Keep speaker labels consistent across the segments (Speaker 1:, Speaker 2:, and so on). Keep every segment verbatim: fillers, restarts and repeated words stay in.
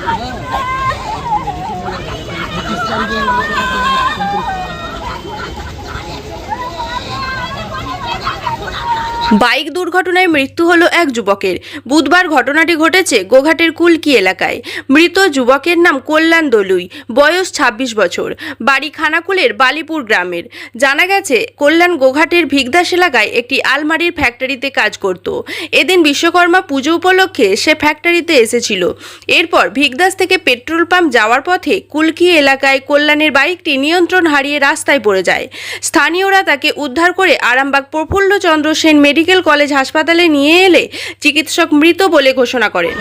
Speaker 1: Bike দুর্ঘটনায় মৃত্যু হলো এক যুবকের। বুধবার ঘটনাটি ঘটেছে গোঘাটের কুলকি এলাকায়। মৃত যুবকের নাম কল্যাণ দলুই, বয়স ছাব্বিশ বছর, বাড়ি খানাকুলের বালিপুর গ্রামের। জানা গেছে, কল্যাণ গোঘাটের ভিগদাস এলাকায় একটি আলমারির ফ্যাক্টরিতে কাজ করত। এদিন বিশ্বকর্মা পুজো উপলক্ষে সে ফ্যাক্টরিতে এসেছিল। এরপর ভিগদাস থেকে পেট্রোল পাম্প যাওয়ার পথে কুলকি এলাকায় কল্যাণের বাইকটি নিয়ন্ত্রণ হারিয়ে রাস্তায় পড়ে যায়। স্থানীয়রা তাকে উদ্ধার করে আরামবাগ প্রফুল্লচন্দ্র সেন মেডিকেল কলেজ হাসপাতালে নিয়ে এলে চিকিৎসক মৃত বলে ঘোষণা করেন।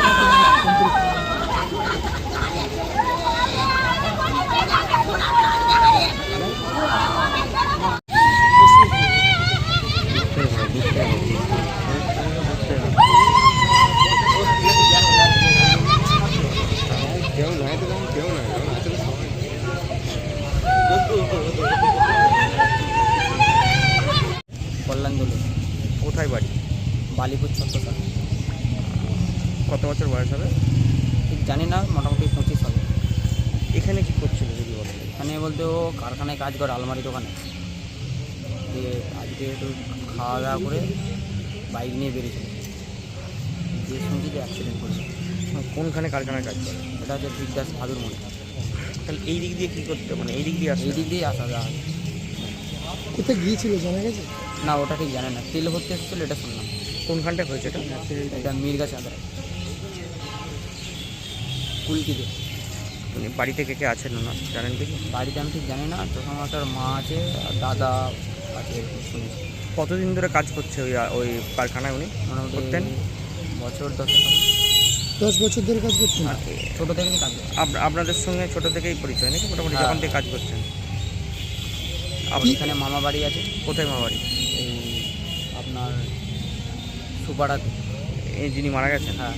Speaker 2: কল্যাণ দলুই।
Speaker 3: কোথায় বাড়ি?
Speaker 2: বালিপুর ছত্রসাল।
Speaker 3: কত বছর বয়স হবে?
Speaker 2: ঠিক জানি না, মোটামুটি পঁচিশ হবে।
Speaker 3: এখানে কি করছিল যদি বলেন?
Speaker 2: এখানে বলতে ও কারখানায় কাজ করে, আলমারি দোকানে। দিয়ে আজকে একটু খাওয়া দাওয়া করে বাইক নিয়ে বেরিয়েছিল, দিয়ে শুনছি যে অ্যাক্সিডেন্ট করেছে।
Speaker 3: কোনখানে কারখানায় কাজ করে?
Speaker 2: এটা হচ্ছে ভিগদাস ভাদুর মনে।
Speaker 3: তাহলে এই দিক দিয়ে কী করতে, মানে এই দিক দিয়ে আসে?
Speaker 2: এই দিক দিয়েই আসা যাওয়া।
Speaker 4: কোথায় গিয়েছিল জানা গেছে?
Speaker 2: না, ওটা ঠিক জানে না। তেল ভর্তি এসেছিলো, এটা শুনলাম।
Speaker 3: কোনখানটায় হয়েছে এটা?
Speaker 2: এটা মির্গা চাঁদরা, কুলকিতে।
Speaker 3: মানে বাড়িতে কে কে আছেন না জানেন কিছু?
Speaker 2: বাড়িতে আমি ঠিক জানি না, তখন একটা মা আছে আর দাদা আছে, শুনেছি।
Speaker 3: কতদিন ধরে কাজ করছে ওই ওই কারখানায় উনি?
Speaker 2: মোটামুটি
Speaker 3: করতেন
Speaker 2: বছর দশেক হবে।
Speaker 4: দশ বছর ধরে কাজ করছেন?
Speaker 3: আর
Speaker 2: ছোটো থেকেই কাজ করছে।
Speaker 3: আপ- আপনাদের সঙ্গে ছোট থেকেই পরিচয় নাকি? মোটামুটি
Speaker 2: হ্যাঁ।
Speaker 3: যখন থেকে কাজ করছেন?
Speaker 2: আপনি এখানে মামা বাড়ি আছে,
Speaker 3: কোথায় মা বাড়ি?
Speaker 2: এই আপনার সুপাড়াতে।
Speaker 3: এই যিনি মারা গেছেন
Speaker 2: হ্যাঁ,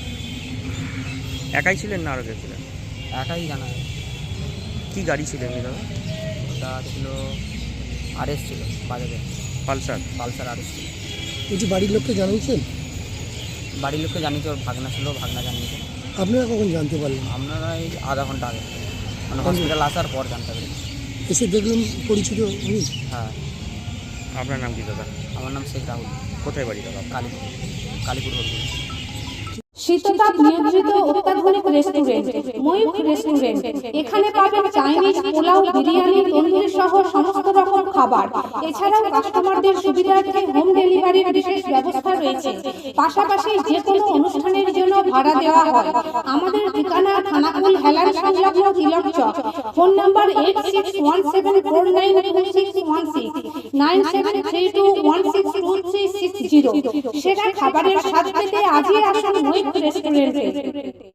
Speaker 3: একাই ছিলেন না আরও কেউ ছিলেন?
Speaker 2: একাই জানা যায়।
Speaker 3: কী গাড়ি ছিল এমনি দাদা?
Speaker 2: ওটা ছিল আরএস, ছিল বাজাজে
Speaker 3: পালসার?
Speaker 2: পালসার আরএস ছিল।
Speaker 4: বলছি বাড়ির লোককে জানিয়েছেন?
Speaker 2: বাড়ির লোককে জানিয়েছে, ওর ভাগনা ছিল, ভাগনা জানিয়েছে।
Speaker 4: আপনারা কখন জানতে পারলেন?
Speaker 2: আপনারা এই আধা ঘন্টা আগে, মানে হসপিটাল আসার পর জানতে পেরেছি।
Speaker 4: এসে দেখলাম পরিচিত উনি।
Speaker 2: হ্যাঁ।
Speaker 3: আপনার নাম কি দাদা?
Speaker 2: আমার নাম শেখ রাহুল।
Speaker 3: কোথায় বাড়ি দাদা?
Speaker 2: কালীপুর, কালীপুর হলপুর।
Speaker 5: শীততাপ নিয়ন্ত্রিত অত্যাধুনিক রেস্টুরেন্ট ময়ূখ রেস্টুরেন্ট। এখানে পাবেন চাইনিজ, পোলাও, বিরিয়ানি, তন্দুরি সহ সমস্ত রকম খাবার। এছাড়াও কাস্টমারদের সুবিধার্থে হোম ডেলিভারির বিশেষ ব্যবস্থা রয়েছে। পাশাপাশি যে কোনো অনুষ্ঠানের জন্য ভাড়া দেওয়া হয়। আমাদের ঠিকানা খানাকুল হেলান সংলগ্ন Tilak Chak. Phone number eight six one seven four nine two six one six, nine seven three two one six two three six zero. সেরা খাবারের স্বাদ পেতে আজই আসুন ময়ূখ রেস্টুরেন্টে।